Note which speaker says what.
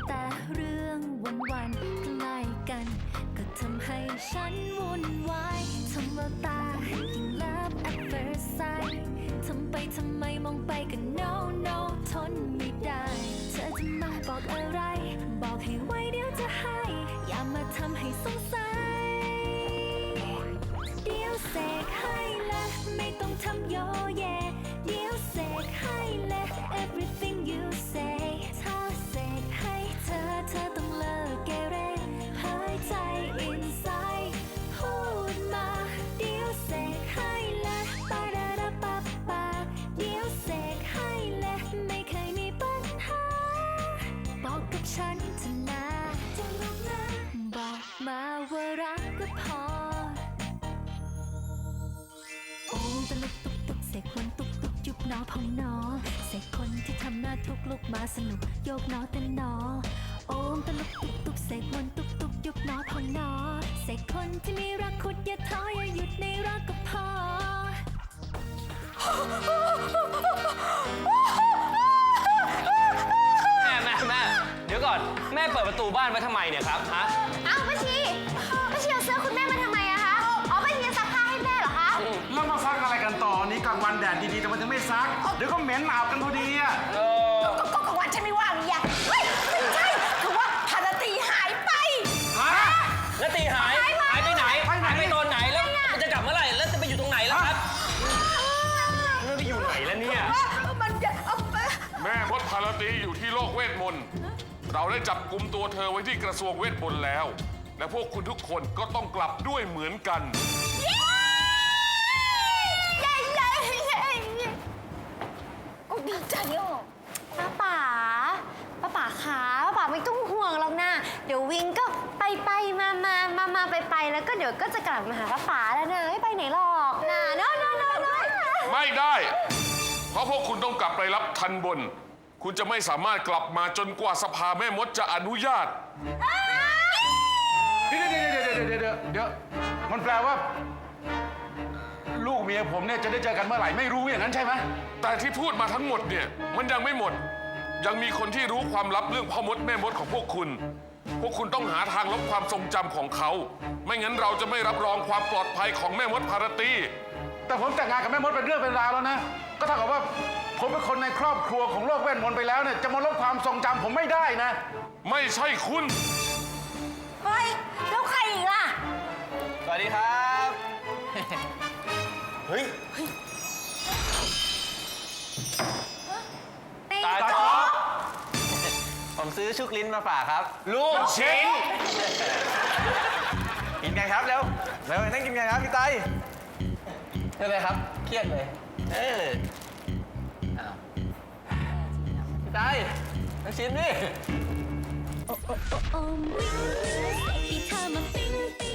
Speaker 1: แต่เรื่องวันๆใกล้กันก็ทำให้ฉันวุ่นวายทำแววตายิ่ง love at first sight ทำไปทำไมมองไปก็ no no ทนไม่ได้เธอจะมาบอกอะไรบอกให้ไว้เดี๋ยวจะให้อย่ามาทำให้สงสัยเดี๋ยวเสกให้และไม่ต้องทำโยเยเดี๋ยวเสกให้และ everything you say ถ้าเสกให้เธอต้องเลิกเกเรหายใจ inside พูดมาเดี๋ยวเสกให้และปาดาดาปาปาเดี๋ยวเสกให้และไม่เคยมีปัญหาบอกกับฉันเถอะนะจะรักนะบอกมาว่ารักก็พอโอ้ตะลุกตุกตุกเสกคนตุกตุกยุบหนอพองหนอเสกคนที่ทำหน้าทุกลุกมาสนุกโยกหนอเต้นหนอโอ้ตะลุกตุกตุกเสกคนตุกตุกยุบหนอพองหนอเสกคนที่มีรักขุดอย่าท้ออย่าหยุดในรักก็พอ
Speaker 2: แม่เดี๋ยวก่อนแม่เปิดประตูบ้านไว้ทำไมเนี่ยครับฮะ
Speaker 3: อ้าวป้าชีเอาเสื้อคุณแม่มาทำไมอะคะอ๋อป้าชีจะซักผ้าให้แม่เหรอคะ
Speaker 4: แล้วมาซักอะไรกันต่อนี้กลางวันแดดดีๆแต่มันจะไม่ซักเดี๋ยวก็เหม็นอาบกันพอดีอ่ะ
Speaker 3: ก็กลางวันฉันไม่ว่างนี่เฮ้ยไม่ใช่คือว่าพาราตีหายไป
Speaker 2: ฮะแล้วตีหายไปไหนหายไปตอนไหนแล้วมันจะกลับเมื่อไหร่แล้วจะไปอยู่ตรงไหนแล้วครับมันไปอยู่ไหนแล้วเนี่ย
Speaker 3: มันจะ
Speaker 5: แม่มดพาราตีอยู่ที่โลกเวทมนต์เราได้จับกุมตัวเธอไว้ที่กระทรวงเวทมนต์แล้วและพวกคุณทุกคนก็ต้องกลับด้วยเหมือนกัน
Speaker 3: โอ้ดีใจอ่ะป้าป๋าขาป้าป๋าไม่ต้องห่วงหรอกนะเดี๋ยววิงก็ไปมาไปแล้วก็เดี๋ยวก็จะกลับมาหาป้าป๋าแล้วนะไม่ไปไหนหรอกนะno
Speaker 5: ไม่ได้เพราะพวกคุณต้องกลับไปรับทันบนคุณจะไม่สามารถกลับมาจนกว่าสภาแม่มดจะอนุญาต
Speaker 4: เดี๋ยวมันแปลว่าลูกเมียผมเนี่ยจะได้เจอกันเมื่อไหร่ไม่รู้อย่างนั้นใช่ไหม
Speaker 5: แต่ที่พูดมาทั้งหมดเนี่ยมันยังไม่หมดยังมีคนที่รู้ความลับเรื่องพ่อมดแม่มดของพวกคุณต้องหาทางลบความทรงจำของเขาไม่งั้นเราจะไม่รับรองความปลอดภัยของแม่มดพาราตี
Speaker 4: แต่ผมแต่งงานกับแม่มดเป็นเรื่องเป็นราวแล้วนะก็เท่ากับว่าผมเป็นคนในครอบครัวของโลกเวทมนต์ไปแล้วเนี่ยจะมาลบความทรงจำผมไม่ได้นะ
Speaker 5: ไม่ใช่คุณ
Speaker 3: เฮ้ยแล้วใครอีกล่ะ
Speaker 2: สวัสดีครับเฮ้ยตาจ๊อกผมซื้อชุกลิ้นมาฝากครับลูกชิ้นกินไงครับแล้วนั่งกินไงครับพี่ไตใช่ไหมครับเครียดเลยพี่ไตนั่งชิ้นดิ
Speaker 1: โอ้โอ้โอ้โอ้วิ่งเสกให้เธอมาปิ๊ง